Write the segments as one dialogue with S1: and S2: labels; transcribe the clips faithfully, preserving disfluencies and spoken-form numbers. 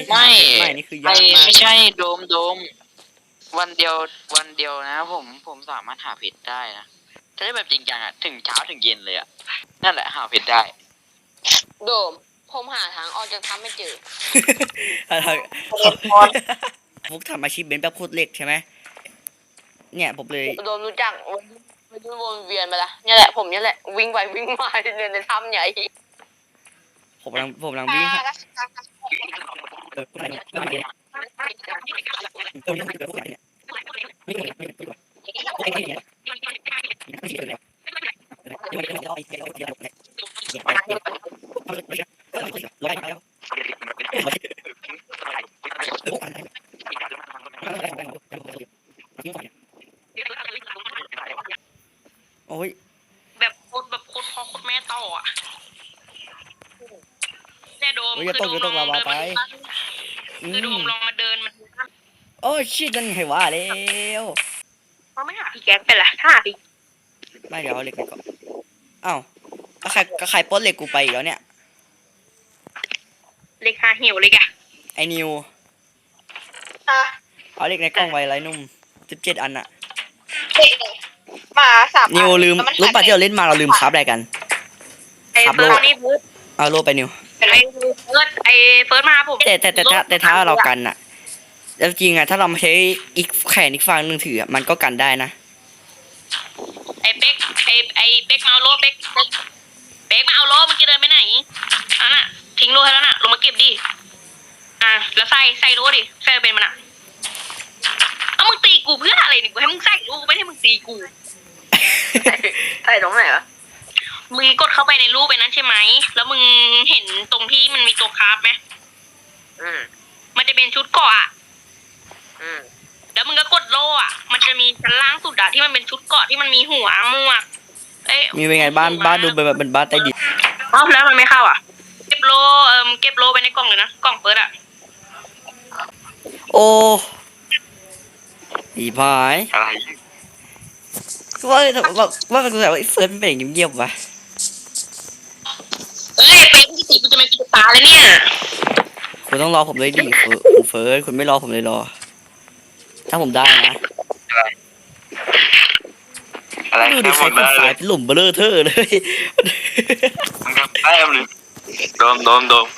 S1: ไม่
S2: ไม่นี่คือยา
S1: ไอก
S2: มาก
S1: ไม่ใช่โดมโดมวันเดียววันเดียวนะผมผมสามารถหาเพชรได้นะถ้าได้แบบจริงจังอะถึงเช้าถึงเย็นเลยอะนั่นแหละหาเพชรได้
S3: โดมผมหาทางออกจากถ้ำไม่เจอ
S2: ฟุกทำอาชีพเบนซ์แบบพูดเล็กใช่ไหมเนี่ยผมเลย
S3: โดมรู้จักมันวนเวียนไปละเนี่ยแหละผมเนี่ยแหละวิ่งไปวิ่งมาเดินในถ้ำใหญ่
S2: ผมกำลังผมกำลังวิ่งหาเออโอ้ย
S4: แบบโคตรแบบโคตรพ่อโคตรแม่ต่ออ่ะเนี่ยโดม
S2: โอ้ย
S4: คื
S2: จะ
S4: อ
S2: ตก
S4: โดม
S2: จะ
S4: ล
S2: ต
S4: อก ง
S2: ลาวา
S4: เดิน
S2: ไป
S4: มาดู
S2: อื
S4: คือโด
S2: ม
S4: มลองมาเดินมาดู
S2: โอ้ชิดนั่นไงว่าแล้ว
S4: เขาไม่หาพี่แก๊กเป็นไรถ้าหาพี่
S2: ไม่เดี๋ยวเอาเหล็กไปก่อนอ้าวก็ใครก็ใครปล้นเหล็กกูไปอีกแล้วเนี่ย
S4: เล็กหาเหี่ยวเลยแก
S2: ไอ้นิว
S3: อ่ะ
S2: เอาเหล็กในกล้องไว้ไรนุ่มสิบเจ็ดอันอะ
S3: มาสาม
S2: นิวลืมรู้ป่ะที่เราเล่นมาเราลืมคราฟอะไรกัน
S4: ไอ้
S2: ครับ
S4: เฟิร์
S2: โล
S4: สนี่เฟิร์ส
S2: เอาโลไปนิว
S4: ไอ้เฟิร์สไอ้เฟิร์สมาผม
S2: แต่แต่แต่ถ้าแต่ถ้าเรากันอะแล้วจริงอะถ้าเราไม่ใช้อีกแขนอีกฝั่งหนึ่งถืออะมันก็กันได้นะ
S4: ไอ้เป๊กไอ้ไอ้เป๊กมาเอาโล่เป๊กเป๊กเป๊กมาเอาโล่เมื่อกี้เดินไปไหนอ่ะน่ะทิ้งโล่ให้แล้วน่ะลงมาเก็บดิอ่ะแล้วใส่ใส่โล่ดิใส่เป็นมันอ่ะเอามึงตีกูเพื่ออะไรนี่กูให้มึงใส่โล่ไม่ให้มึงตีกู
S3: ใส่ตรงไหนวะ
S4: มึงกดเข้าไปในรูปไปนั้นใช่ไหม แล้วมึงเห็นตรงที่มันมีตัวคราฟไหม
S3: อืม
S4: มันจะเป็นชุดเกาะอะ
S3: อืม
S4: แล้วมึงก็กดโล่อะมันจะมีชั้นล่างสุดอะที่มันเป็นชุดเกาะที่มันมีหัวหมวกเอ้ย
S2: มีเป็นไงบ้านบ้านดูเป็นแบบเป็นบ้านใต้ดิน
S4: เอ้าแล้วมันไม่เข้าอะเก็บโล่เอ่มเก็บโล่ไปในกล่องเลยนะ กล่องเปิดอะ
S2: โอ้อีพาย
S1: อะไร
S2: ว่าว่าว่าเป็นแบบว่าไอ้เฟิร์นเป็นอย่างเงียบๆวะ
S4: เอ้ยเป๊กที่ตีกูจะไม่ปิดตาเลยเนี่ย
S2: คุณต้องรอผมเลยดิคุณเฟิร์นคุณไม่รอผมเลยรอ ถ้าผมได้นะ
S1: อะไร
S2: ดูดิ
S1: ทำห
S2: ใค
S1: ม
S2: ร
S1: ด
S2: คน
S1: ได้เล
S2: สาย
S1: ย
S2: เป็นหลุมเบลอเทอร์เลย
S1: มึงทำแต้มเลยโดมโดมโดม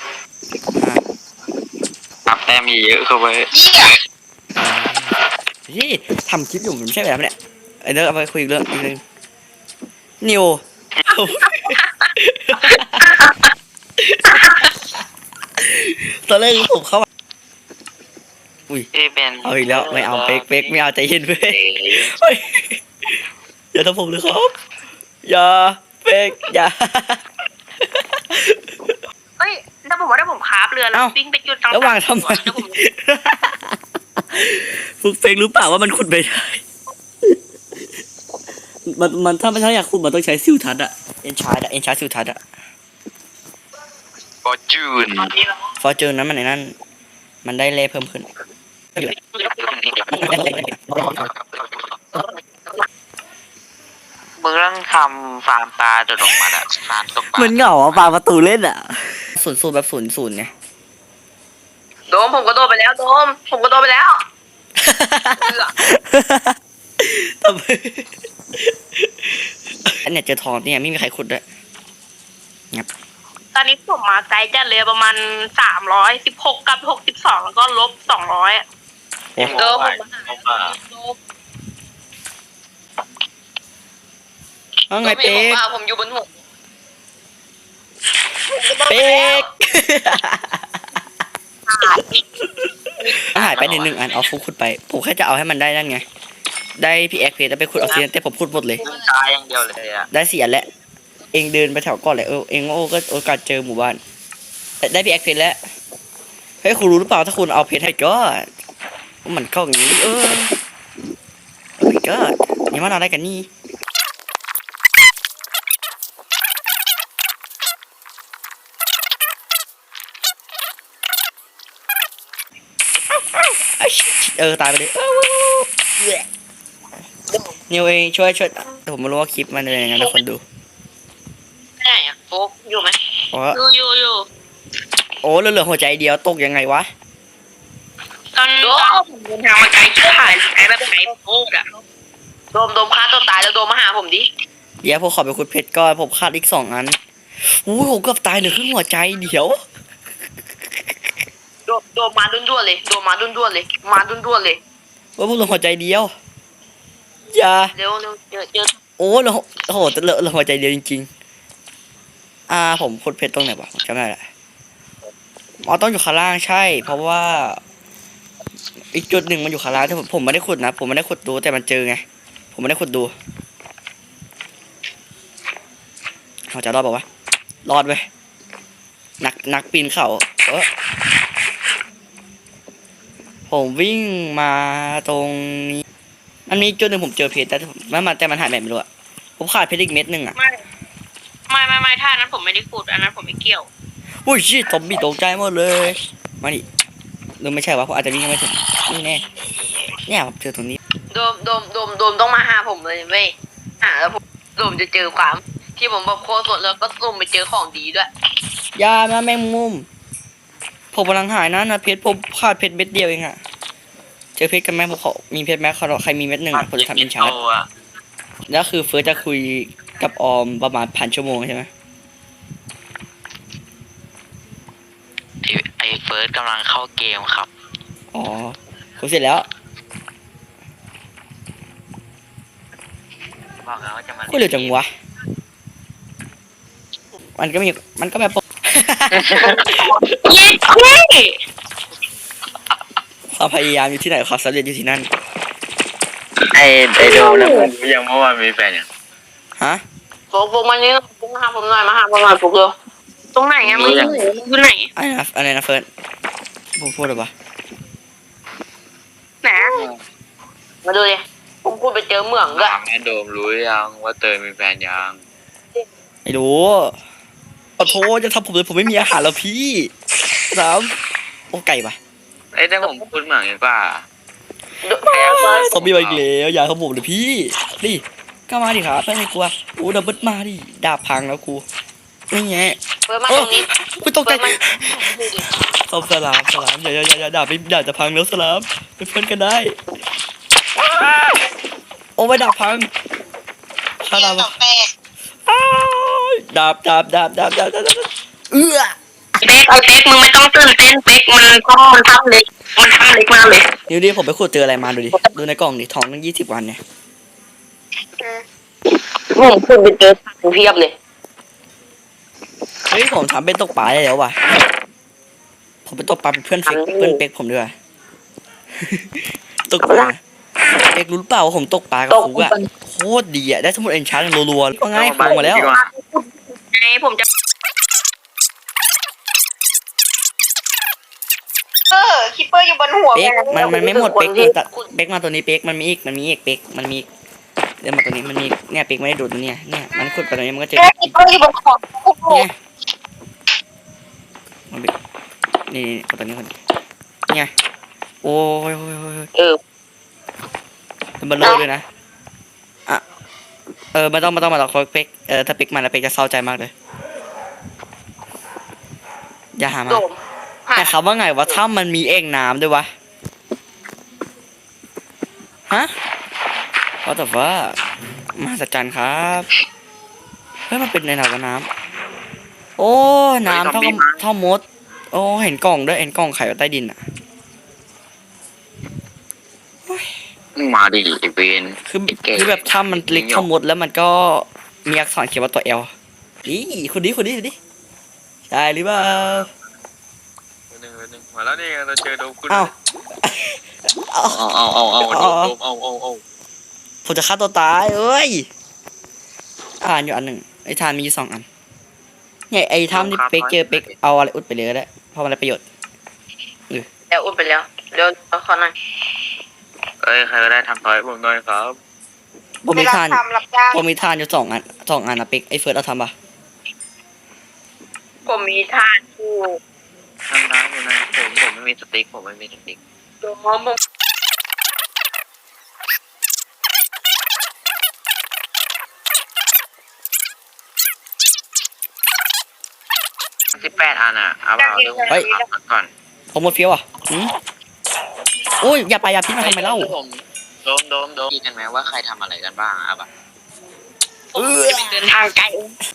S1: นับแต้มเยอะเข้าไป
S2: ที่ทำคลิปอยู่มันไม่ใช่แบบนี้เนี่ยไอ้เด้อเอาไปคุยอีกเรื่องอีกเรื่องนิว ตอนแรกผมเข้ามาอุ้ย
S1: ที่เป็น
S2: เอาอีกแล้วไม่เอาเป๊กเป๊กไม่เอาใจเย็นเป๊กเฮ้ยอย่าทำผมเลยครับอย่าเป๊กอย่า
S4: เอ้ยถ้าผมว่าถ้าผมคราฟเรือแล้ว
S2: เอ้า
S4: วิ่งไปจุดต่างๆ
S2: ระหว่างทำไม
S4: เดี๋ยวผม
S2: ฟุกเป๊กรู้เปล่าว่ามันขุดไม่ได้มันมันถ้ามันถ้าอยากขุดมันต้องใช้ซิวทัศน์อะเอ็นชาร์ดอะเอ็นชาร์ดซิวทัศน์อะ
S1: ฟอร์จูน
S2: ฟอร์จูนนั้นมันในนั้นมันได้เล่เพิ่มขึ้น
S1: มึงต้องทำฟาร์มปลาโดดลงมาอะฟาร์มตกปลา
S2: เหมือนเหงาอ่ะปาประตูเล่นอ่ะศูนย์ศูนย์แบบศูนย์ศูนย์ไง
S3: โดมผมก็โดนไปแล้วโดมผมก็โดนไปแล้ว
S2: ทำไมอันเนี้ยเจอทองเนี่ยไม่มีใครขุดด้วยงับ
S4: ตอนนี้ผมมาไกลจัดเลยประมาณสามร้อยสิบหกกับหกสิบสองแล้วก็ลบสองร้อย
S2: โอ้
S4: เออผม
S2: เอาไงเป๊ก
S3: ผมอยู่บนหัว
S2: เป๊กหายไปหนึ่งหนึ่งอันเอาฟุกขุดไปผมแค่จะเอาให้มันได้นั่นไงได้พี่แอ็กเพจแล้วไปขุดออกซิเจนแต่ผมขุดหมดเลย
S1: มึงตายอย่างเดียวเลยอะ
S2: ได้สี่อันแล้วเองเดินไปแถวก่อนเลยเออเองโอ้ก็โอกาสเจอหมู่บ้านแต่ได้พี่แอ็กเพจแล้วเฮ้ยคุณรู้หรือเปล่าถ้าคุณเอาเพจให้ก็มันเข้าอย่างนี้เออโอ้ยก็นี่มันอะไรกันนี่เออตายไปเลยนิวเองช่วยช่วยแต่ผมไม่รู้ว่าคลิปมันเป็นยังไงนะคนดู
S4: ไม่ได้อะโฟกอยู่ไหม
S2: เพราะ
S4: อยู่อยู่อยู่
S2: โอ้เหลือหัวใจเดียวตกยังไงวะ
S4: ตอนตอนผมเดินทางมาไกลชิบหายไกลแบบไกลโคตรอะ
S3: โดมโดมฆ่าตัวตายแล้วโดมมาหาผมดิ
S2: เดี๋ยวผมขอไปขุดเพชรก่อนผมขาดอีกสองอันโอ้ยผมเกือบตายเหลือครึ่งหัวใจเดี๋ยว
S3: โดมโดมมาดุนด้วนๆเลยโดมมาดุนด้วนๆเลยมาดุนด้วนๆเลย
S2: ว่าพวกเราหัวใจเดียวอย่า
S3: เร็วเร็วเจอเจอ
S2: โอ้เราโอ้โหแต่เราเราหัวใจเดียวจริงๆอ่าผมขุดเพชรตรงไหนวะผมจำไม่ได้ละอ๋อต้องอยู่ข้างล่างใช่ เพราะว่า อีกจุดหนึ่งมันอยู่ข้างล่างแต่ผมผมไม่ได้ขุดนะผมไม่ได้ขุดดูแต่มันเจอไงผมไม่ได้ขุดดูเขาจะรอดบอกว่าวะรอดเว้ยนักนักปีนเขาเออผมวิ่งมาตรงนี้มันมีจุดหนึ่งผมเจอเพชรแต่ผมมันมาแต่มันหายไปไม่รู้อะผมขาดเพชรอีกเม็ดหนึ่งอะ
S4: ไม่ไม่ไม่ไม่ท่านั้นผมไม่ได้ขุดอันนั้นผมไม่เกี่ยว
S2: อุ้ยชิตอมบี้ตกใจหมดเลยมาดิหรือไม่ใช่วะผมอาจจะวิ่งยังไม่ถึงนี่แน่เนี่ยผมเจอตรงนี้
S3: โดมโดมโดมโดมต้องมาหาผมเลยเว้ยหาแล้วผมโดมจะเจอความที่ผมบอกโคตรสดแล้วก็โดมไปเจอของดีด้วย
S2: อยามาแมงมุมผมกำลังหายนะนะเพชรผมขาดเพชรเม็ดเดียวเองอะเจอเพชรกันไหมผมขอมีเพชรไหมใครมีเม็ดหนึ่งอะผมจะทำเป็นชาร์จ
S1: อะ
S2: แล้วคือเฟิร์สจะคุยกับออมประมาณพันชั่วโมงใช่ไหม
S1: ไอเฟิร์สกำลังเข้าเกมครับ
S2: อ๋อผมเสร็จแล้ว
S1: บอกแล้วว่าจะมา
S2: ก็เร็วจังวะมันก็มีมันก็แบบ
S4: เย้เย้
S2: ความพยายามอยู่ที่ไหนความสำเร็จอยู่ที่นั่น
S1: ไอไอโดมนะผมยังเมื่อวานมีแฟนยัง
S2: ฮะ
S3: โฟกโฟกมานี่โฟกมาหาผมหน่อยมาหาผมหน่อยโฟกเร็ว
S4: ตรงไหนอะมึงอยู่ไหนมึงอยู่ไหน
S2: อะไรนะอะไรนะเฟิร์สผมพูดหรือเปล่า
S4: ไหนอะ
S3: มาดูดิผมพูดไปเจอเหมืองด้วย
S1: ถามแม่โดมรู้ยังว่าเตยมีแฟนยัง
S2: ไม่รู้ขอโทษจะทำผมเลยผมไม่มีอาหารแล้วพี่สามโอ้ไก่ปะ
S1: ไอ้แต่ผมพูดเหมือนกันป่ะ
S3: ดูไอ้เฟิร์ส
S2: ซอมบี้มาอีกแล้วอย่าเขาผมเลยพี่ดิก็มาดิครับไม่กลัวโอ้ดับเบิลมาดิดาบพังแล้วกูนี่ไง
S3: เฟิร์สมา
S2: โอ้
S3: ตรงนี้
S2: กูตกใจ
S3: เฟิร์สมาดูดิ
S2: สลามสลามอย่าอย่าอย่าอย่าดาบไม่ดาบจะพังแล้วสลามเป็นเพื่อนกันได้โอ้ไม่ดาบพังถ้าดาบอ้าวดาบดาบดาบดาบดาบดาบดาบเอื้อ
S4: เป๊กไอ้เป๊กมึงไม่ต้องตื่นเต้นเป๊กมันก็มันทำเล็กมันทำเล็กมากเลย
S2: นิวดิผมไปขุดเจออะไรมาดูดิดูในกล่องดิทองตั้งยี่สิบวันเนี่ย
S3: ผมพูดไปเจอถังเพียบเลย
S2: เฮ้ยผมทำเป็นตกปลาได้แล้วว่ะผมเป็นตกปลาเป็นเพื่อนเฟกเพื่อนเป็กผมด้วย ตกปลาเอกรู้หรือเปล่าว่าผมตกปลากับ
S3: ตก
S2: ฟุกอะโคตรดีอะได้สมุดเอ็นชาร์จรัวๆก็ง่ายโผล่มาแล้ว
S4: ไงผมจะ
S3: เออคิปเปอร์อยู่บนหัว
S2: เป็กมันมันไม่หมดเป็กมันตะเป็กมาตัวนี้เป็กมันมีอีกมันมีอีกเป็กมันมีอีกเดินมาตัวนี้มันมีอีกเนี่ยเป็กไม่ได้ดูดตัวเนี้ยเนี่ยมันขุดไปตัวนี้มันก็เจอ
S3: คิปเปอร์อยู่บนขอบโอ้โห
S2: เนี่ยมันเป็กนี่นี่เอาตัวนี้คนเนี่ยโอ้ยโอ้ยโอ้ย
S3: เออ
S2: มันเบลอเลยนะอ่ะเออไม่ต้องไม่ต้องมาหรอกเป็กเออถ้าเป็กมาแล้วเป็กจะเศร้าใจมากเลยอย่าหามา
S3: โดม
S2: แต่คำว่าไงวะถ้ามันมีเอ่งน้ำด้วยวะ ฮะว่าแต่ว่ามหัศจรรย์ครับเฮ้ยมันเป็นในหนาวกับน้ำโอ้น้ำเท่ากับเท่ามด โอ้เห็นกล่องด้วยเห็นกล่องไข่อยู่ใต้ดินอ่ะ
S1: มาดิไอเวน
S2: คือคือแบบถ้ามันเล็กเท่ามดแล้วมันก็มีอักษรเขียนว่าตัวเอลนี่คนนี้คนนี้คนนี้ใช่หรือเปล่า
S1: หนึ่งหนึ่งมาแล้วนี่เราเจอโดมคุณ
S2: อ้าวเอา
S1: เอาเอาเอาเอาโดมเอาเอาเอา
S2: ผมจะฆ่าตัวตายเอ้ยอ่านอยู่อันหนึ่งไอ้ทานมีอยู่สองอันเนี่ยไอ้ทามที่เป๊กเจอเป๊กเอาอะไรอุดไปเลยก็ได้เพราะมันอะไรประโยชน์
S3: แล้วอุ้มไปแล้วเดี๋ยวขอหน่อย
S1: เอ้ยใครก็ได้ทำทอยผมหน่อยครับ
S2: ผมมีทาน
S3: ทำรับจ้าง
S2: ผมมีทานอยู่สองอันสองอันนะเป๊กไอ้เฟิร์สเอาทำปะ
S3: ผมมีทานอยู่
S1: ทำน้ำอยู่นะผมผมไม่มีสติ๊กผมไม่มีสติ๊ก
S3: โดมผม
S1: สิบแปดอันอ่ะเอาเปล่าเดี๋ยวผมเอาก่อน
S2: ผมหมดเฟี้ยวอ่ะหืมโอ้ยอย่าไปอย่าพิษมาทำไมเล่า
S1: ผมโดมโดมโดมคิดกันไหมว่าใครทำอะไรกันบ้างอะแบบ
S2: เออ
S4: เดินทางไกล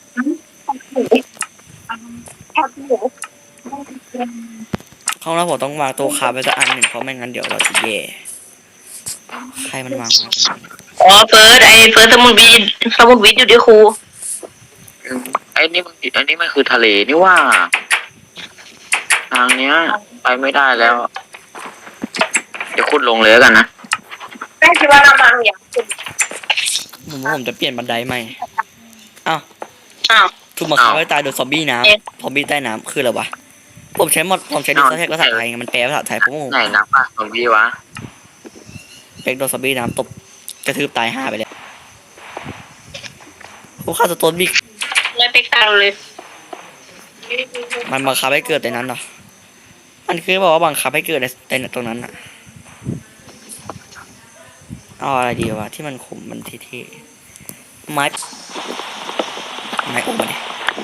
S2: ห้องเราผมต้องวางโต๊ะคาไว้สักอันหนึ่งเพราะไม่งั้นเดี๋ยวเราจะแย่ใครมันวางมา
S4: อ๋อเฟิร์สไอเฟิร์สสมุนวิทสมุนวิทอยู่ที่ครู
S1: ไอ้นี่มันไอ้นี่มันคือทะเลนี่ว่า ทางเนี้ย ไปไม่ได้แล้ว เดี๋ยวขุดลงเลยแล้วกันนะ
S4: แม่คิดว่าน้ำมันอย่าง
S2: ผมว่าผมจะเปลี่ยนบันไดใหม่อ้าว
S4: อ้าว
S2: ถูกมาฆ่าไว้ตายโดยซอมบี้น้ำซอมบี้ใต้น้ำคืออะไรวะผมใช้หมดผมใช้ดิสแท็กภาษาไทยไงมันแปลภาษาไทยผมงง
S1: ไหนนับอ่ะซอมบี้วะ
S2: เป็กโดนซอมบี้น้ำตบกระทืบตายห้าไปแล้วผมฆ่าสโตนบิ๊ก
S4: เลยเป็กตาเลย
S2: มันบังคับให้เกิดในนั้นเหรอมันคือบอกว่าบังคับให้เกิดในในตรงนั้นอะเอาอะไรดีวะที่มันขุมมันเท่ๆไม้ไม้อุ้มมาดิ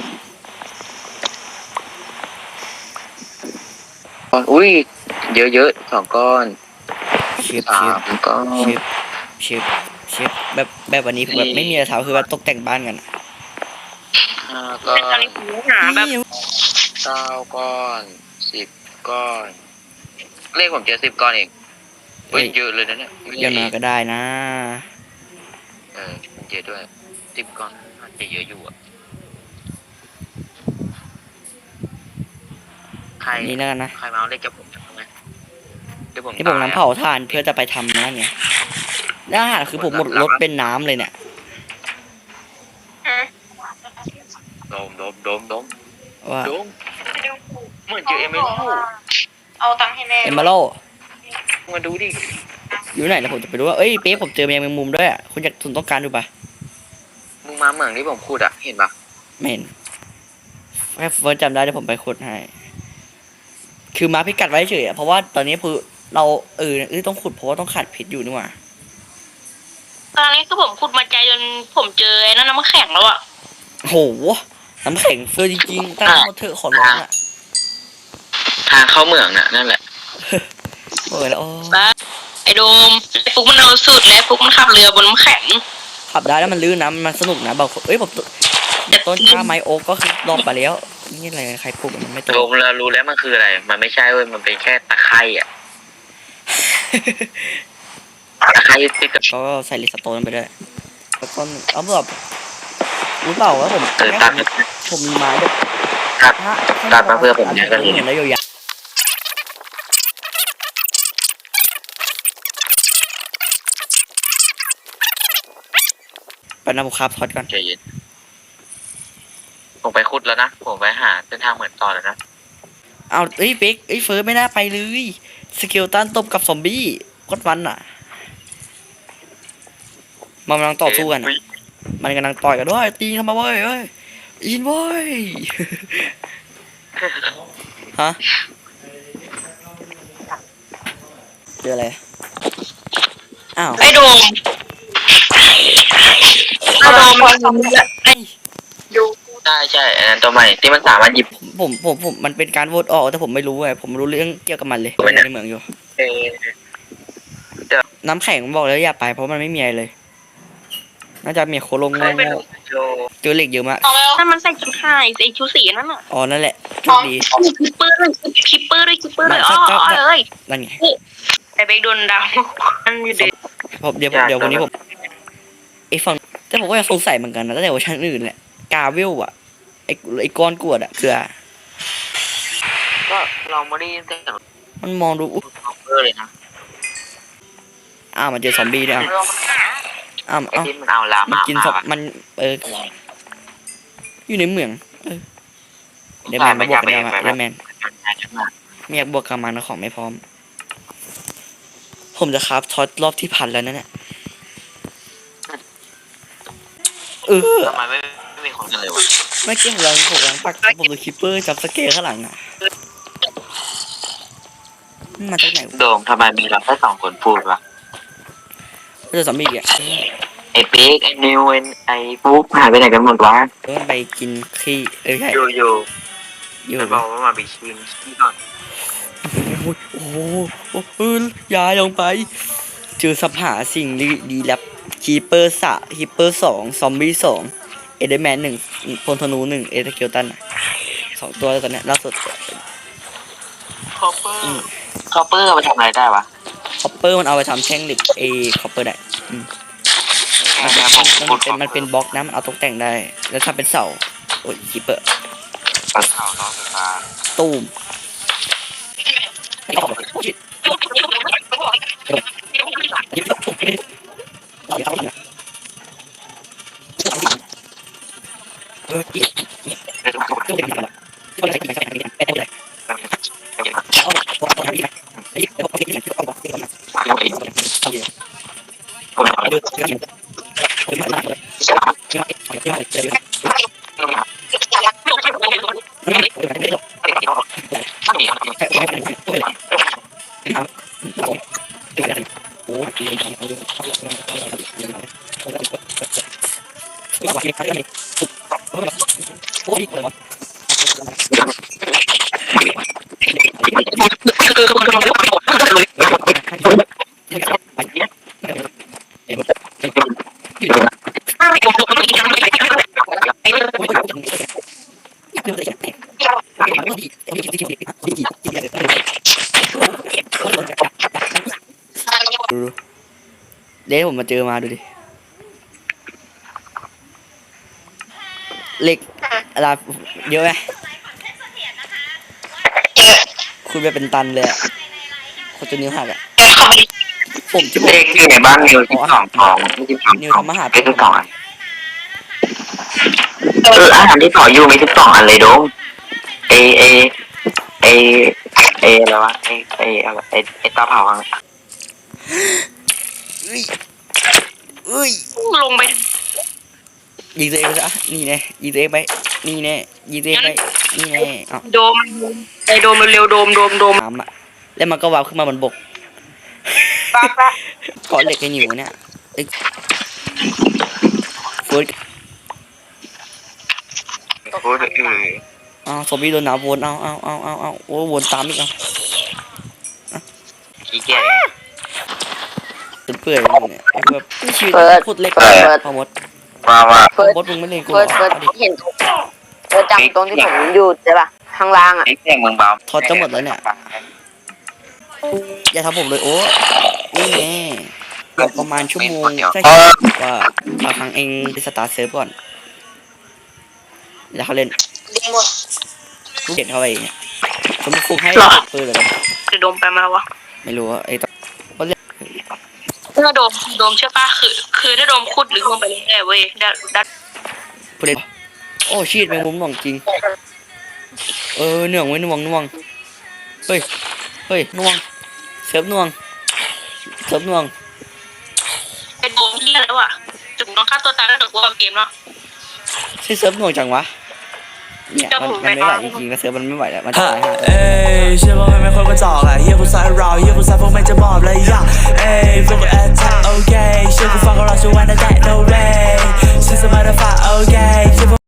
S1: อุ้ยเยอะๆสองก้อน
S2: เชิบ
S1: สา
S2: เชิบ
S1: มก้อน
S2: เชิบเชิบเชิบแบบแบบวันนี้ผมแบบไม่มีอะไรทำคือว่าตกแต่งบ้านกันอะ
S1: ห้าก้อ
S4: เป็นอะไร
S1: น
S4: หูหาแบบ
S1: เก้าก้อนสิบก้อน เลขผมเจอสิบก้อนเองเฮ้ยเยอะเลยนะเนี่ย
S2: เดี๋ยวนาก็ได้นะ
S1: เออมันเยอะด้วยสิบก้อนอาจจะเยอะอยู่อ่ะใคร
S2: นี่แล้วกันนะ
S1: ใครมาเอาเลขกับผมทำไมเดี๋ยวผม
S2: ที่ผม
S1: ตย
S2: น้ำเผาถ่านเพื่อจะไปทำนั่นไงแล้วอาหารคือผมหมดรถเป็นน้ำเลยเนี่ย
S1: โดมโดมโดมโดม
S2: ว่า
S1: โดมเหมือนเจอเอเมอรัลด์
S4: เอาตังค์ให้แม่
S2: เอมเมอรัล
S1: มาดูดิ
S2: อยู่ไหนแล้วผมจะไปดูว่าเอ้ยเป๊ะผมเจอแมงมุมด้วยอ่ะคุณอยากคุณต้องการดูปะ
S1: มึงมาเหมืองที่ผมพูดอ่ะเห็นปะ
S2: ไม่เห็นแค่เฟิร์สจำได้เดี๋ยวผมไปขุดให้คือมาพิกัดไว้เฉยอ่ะเพราะว่าตอนนี้คือเราเออเออต้องขุดเพราะว่าต้องขาดเพชรอยู่นี่หว่า
S4: ตอนนี้คือผมขุดมาใจจนผมเจอไอ้นั่นน้ำแข็งแล้วอ่ะ
S2: โหน้ำแข็งเฟิร์สจริงๆตั้งมาเถอะขอร้องอ่ะ
S1: ทางเข้าเหมืองน่ะนั่นแหละ
S2: เออแล้วโอ้
S4: ไอ้โดมไอ้ฟุกมันเอาสุดแล้วฟุกมันขับเรือบนน้ำแข็ง
S2: ขับได้แล้วมันลื่นนะมันสนุกนะบางคนเอ้ยผมต้นกล้าไม้โอ๊กก็คือลองไปแล้วนี่อะไรใครปลูกมันไม่โต
S1: โดมเรารู้แล้วมันคืออะไร มันไม่ใช่เว้ยมันเป็นแค่ตะไคร่อ่ะตะไคร่ติดกับ
S2: ก็ใส่ลิสโตนไปด้วยแล้วก็เอาแบบรู้เปล่าว่าผม
S1: เออตัด
S2: ผมมีไม้แบบ
S1: ตัด ตัดมาเพื่อผมเนี่ยก็เลย
S2: เห็นแล้วยาวๆไปนำผมคาบทอดก่อน
S1: ใจเย็นผมไปขุดแล้วนะ ผมไปหาเส้นทางเหมือนต่อแล้วนะ
S2: เอาเอ้ยเป๊กเอ้ยเฟิร์สไม่น่าไปเลยสเกลตันตบกับซอมบี้โคตรมันอ่ะมันกำลังต่อสู้กันอะมันกำลังต่อยกันด้วยตีทำไมเว้ยเอ้ยอินเว้ย ฮะเจออะไรอ้าว
S4: ไอ้โดมไอ้โดมไอ้ดู
S1: ใช่ใช่อันนั้นตัวใหม่ที่มันสามารถหยิบ
S2: ผมผมผมมันเป็นการโหวตออกแต่ผมไม่รู้ไงผมรู้เรื่องเกี่ยวกับมันเลย
S1: ทำไมเนี่ย
S2: ในเมืองอยู่
S1: เออ
S2: น้ำแข็งบอกแล้วอย่าไปเพราะมันไม่มีอะไรเลย น่าจะมีโคโลง
S1: ใครเป็น
S2: โง่
S1: โจ
S2: ๆเจอเหล็กเยอะมาก
S4: ถ้ามันใส่ชุดไฮไอ้ชุดสีนั่นอ่ะ
S2: อ๋อนั่นแหละโช
S4: อ๋อ
S2: คดี
S4: คิปเปอร์เลยคิปเปอร์เลยคิปเปอร์เลยอ๋อเลย
S2: นั่นไง
S4: ไอ้เบกโดนดาวมันอยู่เด็ก
S2: ผมเดี๋ยวผมเดี๋ยววันนี้ผมไอ้ฝั่งแต่ผมก็ยังสงสัยเหมือนกันนะตั้งแต่เวอร์ชันอื่นแหละกาเวลอะไอ้ไอ้ก้อนกรวดอะคือ
S1: ก็เราไม่ได้ยินเสียง
S2: มันมองดูอุ๊ย
S1: คอมเปอร์เลยนะ
S2: อ้าวมันเจอซอมบี้ด้วยอ้าวอ้าว
S1: ไอ้
S2: อ้าว
S1: ที่มันเอาลา
S2: มัน
S1: มา
S2: กินซอมมันเอออยู่ในเมืองเออเดยวแมนมาบวกกันได้ไหมเดยวแมนไม่อยากบวกกับมันนะของไม่พร้อม ผมจะคราฟท็อตรอบที่พันแล้วนั่นแหละเออ
S1: ทำไมไม่ไม่มีคนกันเลยวะ
S2: ไม่เกี่ยวกับผมกำลังปักผมดูคิปเปอร์จับสเกลข้างหลังอ่ะมันมาจากไหน
S1: โดมทำไมมีเราแค่สองคนพูดวะ
S2: เจอซอมบี้อ่ะ
S1: ไอ้เป๊กไอ้นิวไอ้ไอ้ปุ๊กหายไปไหนกันหมดวะ
S2: เออไปกินขี้เออใช่
S1: อยู่อยู่
S2: อยู่
S1: ไปบอกว่ามาไปชิมที่ก่อน
S2: โอ้ยโอ้โหโอ้เออยายลงไปเจอสับหาสิ่งดีดีแลบคีเปอร์สะคีเปอร์สองซอมบี้สองเอเดอร์แมนหนึ่งพลธนูหนึ่งเอเดเกลตันสองตัวแล้วตอนเนี้ยล่าสุด
S1: คอปเปอร์คอปเปอร์เอาไปทำอะไรได้วะ
S2: คอปเปอร์มันเอาไปทำแท่งเหล็กเอคอปเปอร์ได้อืมมันเป็นมันเป็นมันเป็นบล็อกนะมันเอาตกแต่งได้ แล้วทำเป็นเสาโอ้ยคีเปอร์
S1: เสาล้อไฟฟ้า
S2: ตูมเดี๋ยวผมมาเจอมาดูดิเหล็กอะไรเยอะไหมคุณไปเป็นตันเลยอะคนจะนิ้วหักอะผมที่ผม
S1: เลขที่ในบ้านนิวที่สองทองไม่ใช่สอง
S2: นิว
S1: ทอง
S2: ทำอาหาร
S1: ไม่ใช่สองอันเอออาหารที่ต่ออยู่มีสิบสองอันเลยโดมเอเอเอเออะไรวะเอเออะไรเอเอเตาเผาอะ
S2: เอ้ยเอ้ย
S4: ลงไป
S2: ยิงตัวเองไปซะนี่แน่ยิงตัวเองไปนี่แน่ยิงตัวเองไปนี่แน่อ้าว
S4: โดมไอโดมเร็วๆโดมโดมโดม
S2: น้ำอะแล้วมันก็วาบขึ้นมาบนบก
S3: ปะปะ
S2: เกาะเหล็กกันอยู่เนี่ยเอ้ยเฟิร์ส
S1: โอ้ยเออ
S2: อ้าวซอมบี้โดนหนาววนเอาเอาเอาเอาเอาโอ้วนตามอีกเอา
S1: ขี้เกียจ
S2: จนเปื่อยเลยเนี่ยไอ้แบบชีวิตพูดเล็กพอหมด
S1: ว่าว่า
S2: พอหมดมึงไม่เล่นกู
S3: เฟิร์สเฟิร์สเห็นเฟิร์สจำตรงที่ผมอยู่ใช่ปะข้างล่างอ่ะ
S1: ไอ้เสียงมึงเบา
S2: ทอดจะหมดแล้วเนี่ยอย่าทำผมเลยโอ้นี่แน่ประมาณชั่วโมงใช่ว่าบางครั้งเองไปสตาร์ทเซิร์ฟก่อนแล้วเขาเล่น
S3: ดีหมด
S2: ลูกเด็ดเข้าไปเนี่ยสมมติคุกให้ปืนเลย
S4: ไอโดมไปมาแล้ววะ
S2: ไม่รู้ว่าไอ้ต
S4: ถ้าโดมโดมใช่ปะคือคือถ้าโดมขุดหรือลงไปเรื่อยๆเว้ยดัดดัด
S2: ผู้เล่นโอ้ชีดแมงมุมหน่วงจริงเออเหนื่องไว้น่วงน่วงเฮ้ยเฮ้ยน่วงเซิร์ฟน่วงเซิร์ฟน่วง
S4: ไอโดมที่แล้วอ่ะจุดน้องฆ่าตัวตายแล้วเดี๋ยวกูเอาเกมเนาะ
S2: ใช่เซิร์ฟน่วงจังวะเนี่ยมันมันไม่ไหวจริงๆนะเซิร์ฟมันไม่ไหวแล้วมันจะตายห่า
S5: เอ้ยเชื่อว่าไม่คนก็จอกอะเฮียกูสายเราเฮียกูสายพวกไม่จะมอบเลยอ่ะเอ้ยพวกกูแอทแทกโอเคเชื่อกูฟังก็รอช่วยวันนั้นได้ no way ฉันสบายได้ฝ่าโอเค